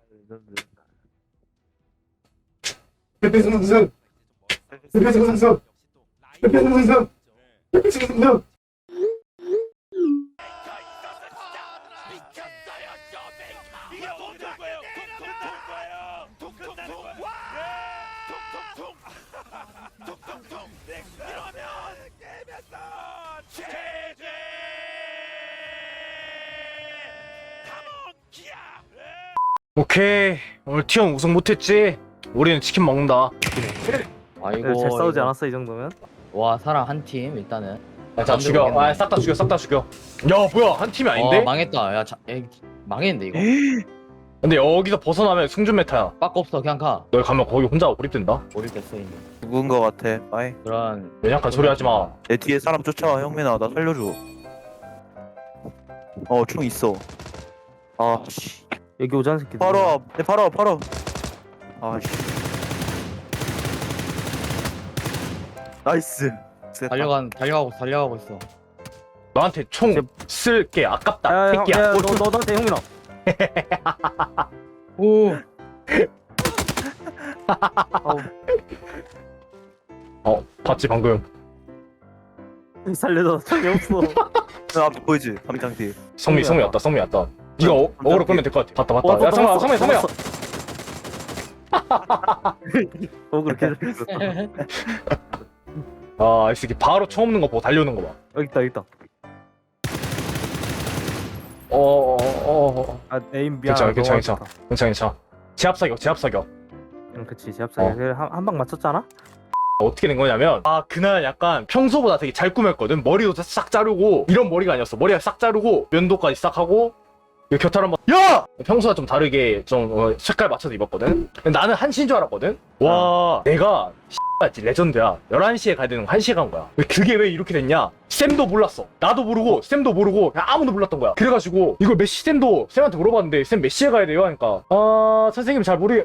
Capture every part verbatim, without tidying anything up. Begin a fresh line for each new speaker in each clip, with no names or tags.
대표승 선수, 대표승 선수, 대표승 선수, 대표승 선수.
이게 어떤 거예요? 퉁퉁퉁 거예요. 퉁퉁퉁 거예요. 퉁퉁퉁. 퉁퉁퉁. 이러면 게임에서 제재. 카몬 기아.
오케이, 오늘 티원 우승 못했지? 우리는 치킨 먹는다.
아이고
잘 싸우지
이거-
않았어 이 정도면?
와 사람 한 팀 일단은.
아, 자 죽여. 아, 싹 다 죽여, 싹 다 죽여. 야, 뭐야, 한 팀이 아닌데?
어, 망했다. 야, 자, 야 망했는데 이거.
근데 여기서 벗어나면 승준 메타야.
빠꾸 없어 그냥 가.
너 가면 거기 혼자 고립된다.
모르겠어 이제.
죽은 거 같아. 빠이.
그런
연약한 소리 하지 마.
내 뒤에 사람 쫓아와. 형민아 나 살려줘. 어 총 있어. 아 씨.
여기 오자는 새끼
바로 앞. 내 바로 앞 바로. 아 씨. 나이스. 쎄다.
달려간 달려가고 달려가고 있어.
너한테 총 쓸게 아깝다.
야야야
새끼야.
너 너 너한테 형민아
오.
아우
어, 봤지 방금.
살려줘 총이 없어.
그 앞에 보이지? 담장 뒤에.
성미, 성미 왔다, 성미 왔다. 네가 어, 어그로 끄면 될 것 같아. 봤다, 봤다. 야, 성미야, 성미야, 성미야.
어 그렇게 됐어.
아, 이 새끼 바로 총 없는 거 보고 달려오는 거 봐.
여기 있다 여기 있다.
어, 어, 어, 어.
아 에임 미안.
괜찮아, 괜찮아, 괜찮아. 괜찮아, 괜찮아. 제압 사격, 제압 사격.
응 그치 제압사기
어.
한한 방 맞췄잖아.
어떻게 된 거냐면, 아, 그날 약간 평소보다 되게 잘 꾸몄거든. 머리도 싹 자르고, 이런 머리가 아니었어. 머리가 싹 자르고, 면도까지 싹 하고, 이 곁털 한번, 야! 평소와 좀 다르게 좀 어, 색깔 맞춰서 입었거든. 근데 나는 한시인 줄 알았거든. 와, 내가 X같이 레전드야. 열한 시에 가야 되는 거 한 시에 간 거야. 왜 그게 왜 이렇게 됐냐? 쌤도 몰랐어. 나도 모르고, 쌤도 모르고, 그냥 아무도 몰랐던 거야. 그래가지고, 이걸 메시 쌤도 쌤한테 물어봤는데, 쌤 몇 시에 가야 돼요? 하니까, 아, 선생님 잘 모르,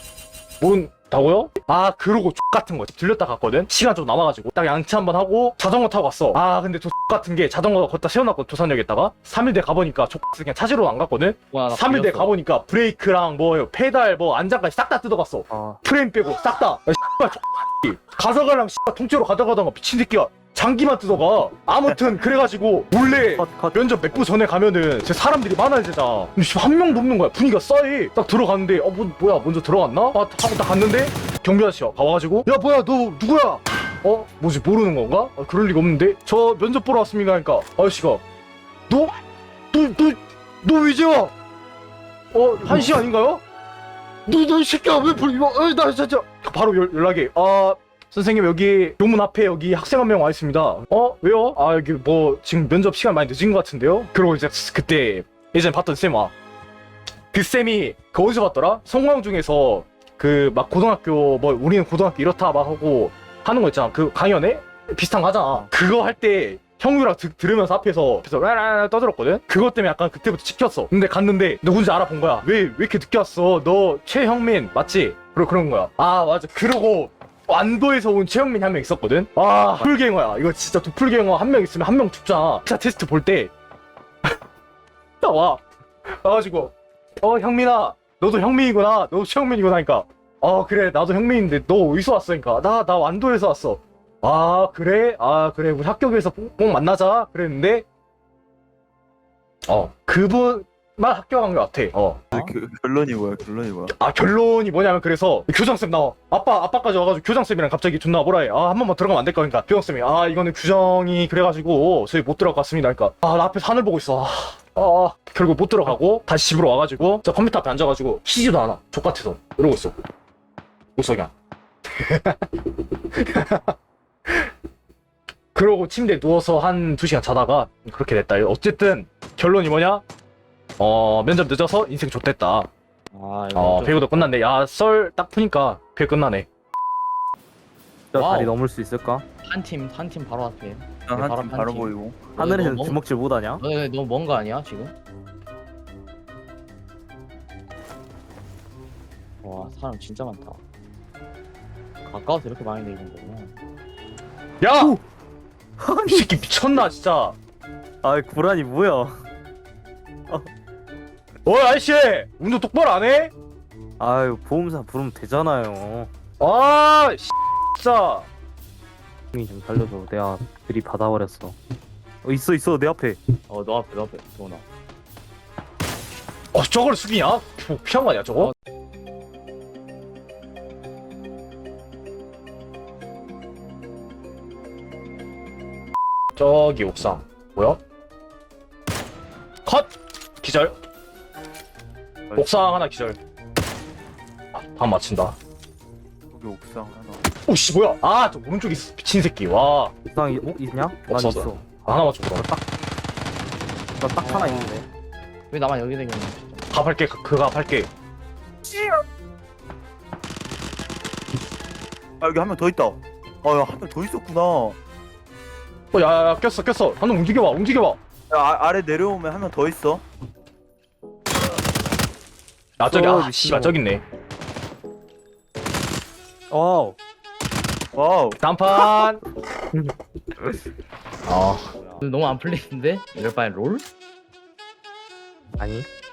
모른다고요? 아, 그러고 X 같은 거 들렸다 갔거든? 시간 좀 남아가지고 딱 양치 한번 하고 자전거 타고 왔어. 아, 근데 저 X 같은 게 자전거 걷다 세워놨거든, 조산역에다가. 삼 일 뒤에 가보니까 X 그냥 찾으러 안 갔거든?
와, 나
삼 일 뒤에
걸렸어.
가보니까 브레이크랑 뭐 페달 뭐 안장까지 싹 다 뜯어갔어.
아
프레임 빼고 싹 다. 야, 씨발 X 가져가려면 씨발 통째로 가져가던가 미친 새끼야. 장기만 뜯어가. 아무튼 그래가지고 몰래
컷컷
면접 몇 부 전에 가면은 제 사람들이 많아야 되잖아. 근데 씨발 한 명도 없는 거야. 분위기가 싸해. 딱 들어갔는데 어 뭐, 뭐야 먼저 들어갔나? 아, 하고 딱 갔는데 경비 아저씨가 가와가지고 야 뭐야 너 누구야? 어? 뭐지 모르는 건가? 아, 그럴 리가 없는데 저 면접 보러 왔습니다 하니까 아저씨가 너? 너 너 너 왜 이제 와? 어? 한시 아닌가요? 너 너 이 새끼야 왜 불 이거 어나 진짜 바로 연, 연락이 아 선생님 여기 교문 앞에 여기 학생 한 명 와 있습니다. 어? 왜요? 아 여기 뭐 지금 면접 시간 많이 늦은 것 같은데요? 그러고 이제 그때 예전에 봤던 쌤 와. 그 쌤이 그 어디서 봤더라? 성광 중에서 그 막 고등학교 뭐 우리는 고등학교 이렇다 막 하고 하는 거 있잖아. 그 강연에 비슷한 거 하잖아. 그거 할 때 형유랑 드, 들으면서 앞에서 앞에서 라라라 떠들었거든. 그것 때문에 약간 그때부터 찍혔어. 근데 갔는데 누군지 알아본 거야. 왜 왜 이렇게 늦게 왔어? 너 최형민 맞지? 그러 그런 거야. 아 맞아. 그러고 안도에서 온 최영민이 한 명 있었거든? 아, 도플갱어야. 이거 진짜 도플갱어 한 명 있으면 한 명 죽잖아. 기사 테스트 볼 때. 나와. 와가지고, 어, 형민아. 너도 형민이구나. 너도 최영민이구나. 하니까. 어, 그래. 나도 형민인데 너 어디서 왔어? 그러니까. 나, 나 완도에서 왔어. 아, 그래? 아, 그래. 우리 학교에서 꼭 만나자. 그랬는데, 어, 그분만 학교 간 것 같아. 어.
그, 결론이 뭐야? 결론이 뭐야?
아 결론이 뭐냐면 그래서 교장쌤 나와 아빠 아빠까지 와가지고 교장쌤이랑 갑자기 존나 뭐라 해아 한 번만 들어가면 안 될까 그러니까 교장쌤이 아 이거는 규정이 그래가지고 저희 못 들어갈 것 같습니다 그러니까 아 나 앞에서 하늘 보고 있어 아, 아 결국 못 들어가고 다시 집으로 와가지고 저 컴퓨터 앞에 앉아가지고 쉬지도 않아 족같아서 이러고 있어 목석이야 그러고 침대에 누워서 한 두 시간 자다가 그렇게 됐다 어쨌든 결론이 뭐냐 어 면접 늦어서 인생 좆됐다
아, 이거
어
좀-
배우도 끝났네 야 썰 딱 푸니까 그게 끝나네
저
와우.
다리 넘을 수 있을까?
한 팀, 한 팀 바로 앞에.
한
바로
팀
한
바로
팀.
보이고.
하늘에서
너무
주먹질 못하냐?
너, 너, 너무 먼 거 아니야 지금? 와 사람 진짜 많다. 가까워서 이렇게 많이 내리는 거구나.
야! 이 새끼 미쳤나 진짜
아 구란이 뭐야?
어 아저씨 운동 똑바로 안 해?
아유 보험사 부르면 되잖아요.
아 씨, 진짜.
형이 좀 살려줘. 내가 들이 받아버렸어. 어, 있어 있어 내 앞에.
어 너 앞에 너 앞에 도훈아.
어 저걸 숙이냐? 뭐 피한 거 아니야 저거? 저기 옥상 뭐야? 컷! 기절. 옥상 하나 기절. 아, 반 맞춘다.
여기 옥상 하나.
오씨 뭐야? 아 저 오른쪽에 있어 미친 새끼. 와
이상 어, 있냐? 난
없어,
있어.
없어. 하나 맞춰 그럼.
나 딱 하나 있는데.
왜 나만 여기 생겼냐 진짜.
갑할게 그- 그가 할게.
아 여기 한 명 더 있다. 아야 한 명 더 있었구나.
어 야야야 꼈어 꼈어. 한번 움직여봐 움직여봐.
야 아, 아래 내려오면 한 명 더 있어.
아 저기
어,
아 씨발 저기 있네.
와우.
와우.
단판. 아
너무 안 풀리는데? 이럴 바엔 롤?
아니